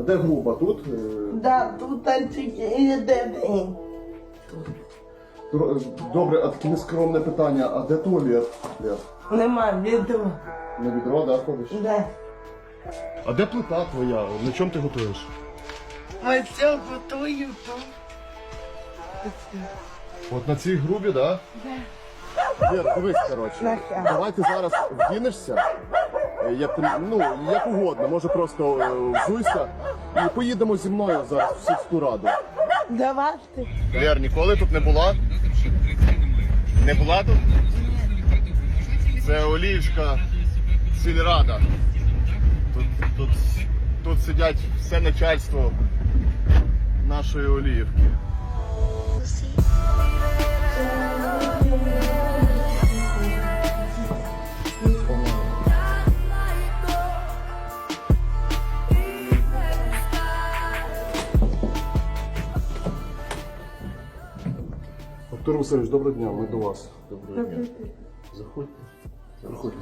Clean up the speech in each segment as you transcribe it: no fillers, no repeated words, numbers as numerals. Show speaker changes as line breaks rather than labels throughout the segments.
А де груба? Тут?
Да, тут тільки єдиний.
Добре, а таке нескромне питання, а де туалет?
Нема відео.
На відро, да, ходиш?
Да.
А де плита твоя? На чому ти готуєш?
Ми все готуємо тут.
От на цій грубі, да?
Да.
Вір, дивись, коротше.
Нахер.
Давай ти зараз вдінешся, як угодно, може просто взуйся і поїдемо зі мною зараз в сільську раду.
Давайте.
Лєр, ніколи тут не була? Не була тут? Це Оліївська сільрада. Тут сидять все начальство нашої Оліївки. Артур Васильович, доброго дня, ми до вас. Доброго дня. Заходьте. Проходьте.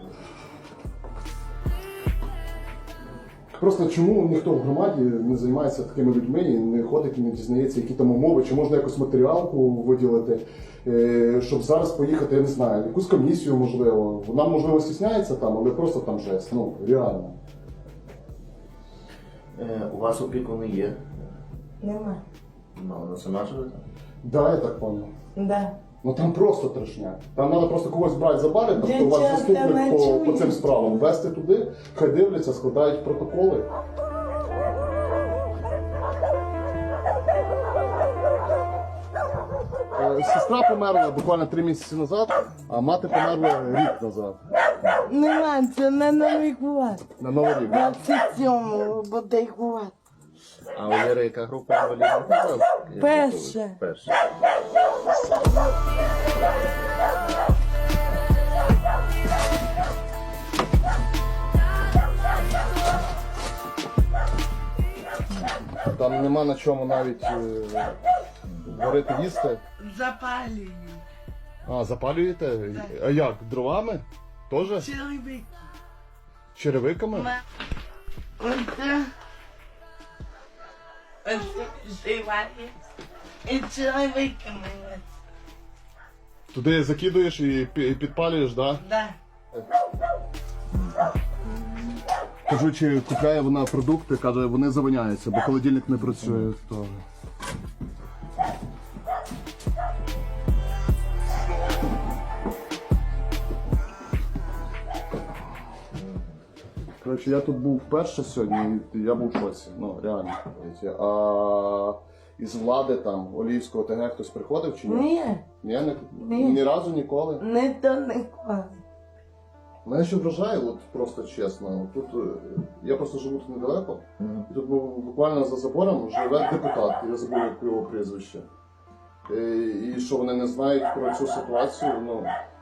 Просто чому ніхто в громаді не займається такими людьми і не ходить і не дізнається, які там умови, чи можна якусь матеріалку виділити, щоб зараз поїхати, я не знаю, якусь комісію, можливо. Вона, можливо, стісняється там, але просто там жесть, ну, реально.
У вас опікуни є?
Нема.
Ну, вона сама живе там?
Да, я так понял.
Да.
Ну там просто трешня. Там треба просто когось брати за бари,
Я
хто у вас
часто
заступник по
чую.
цим справам, вести туди, хай дивляться, складають протоколи. Сестра померла буквально 3 місяці назад, а мати померла рік назад.
Нема, це на Новий год.
На Новий рік. да?
27-го буде год.
А у Лєри яка група інвалідів?
Перша.
Перша.
Там нема на чому навіть варити їсти.
Запалюю.
А, запалюєте? А як? Дровами? Тоже?
Чоловік.
Черевиками?
Оце. Оце живає. І чоловіками.
Туди закидуєш і підпалюєш, так? Да?
Да.
Кажу, чи купляє вона продукти, каже, вони завиняються, бо холодильник не працює. То... Коротше, я тут був вперше сьогодні, і я був в шоці, ну реально. А із влади там, Оліївського ТГ хтось приходив чи ні?
Ні.
Ні разу ніколи.
Не то ніколи.
Мене ще вражає, от просто чесно. Тут я просто живу тут недалеко, і тут буквально за забором живе депутат, я забув як його прізвище. І що вони не знають про цю ситуацію, ну.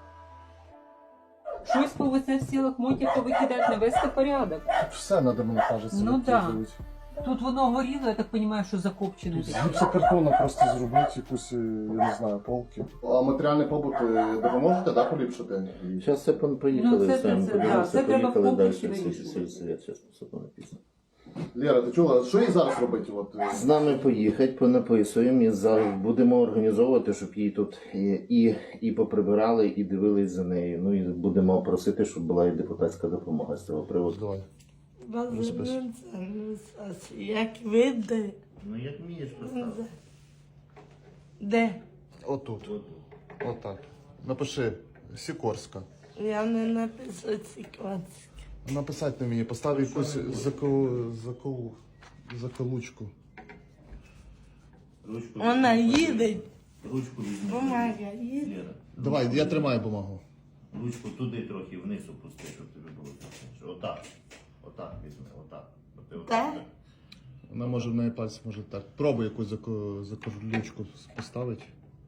Щось повезе в сілах мотів викидати, навести порядок.
Все треба, мені кажеться,
Ну
викидувати.
Тут воно горіло, я так розумію, що закопчене.
З гіпсокартона просто зробити якусь, я не знаю, полки. А матеріальний побут допоможете, да, поліпшити?
Зараз все поїхали,
Ну, це
подивимося,
треба в
поїхали далі
комплексі
в
вирішувати.
сільсовет, зараз все написано.
Лєра, ти чула, що їй зараз робити? От,
З нами поїхати, понаписуємо і будемо організовувати, щоб її тут і поприбирали, і дивились за нею. Ну і будемо просити, щоб була і депутатська допомога з цього приводу.
Давай.
Як видно.
Ну як вмієш поставити.
Де?
Отут. Отак. Напиши Сікорська.
Я не написала Сікорська.
Написати на мені, постав якусь заколучку.
Ручку
Вона їде.
Ручку візьми.
Бумага їде.
Лєра,
Давай, я тримаю бумагу.
ручку туди трохи вниз опусти, щоб тобі було зручніше. Отак. Отак візьми, отак. От ти отак.
Так?
Вона може в неї пальці може так. Пробуй якусь заколючку поставити.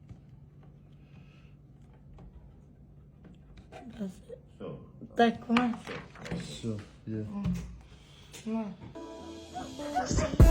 Все.
Так, ось.
Все, є.
Ну.
Pussy.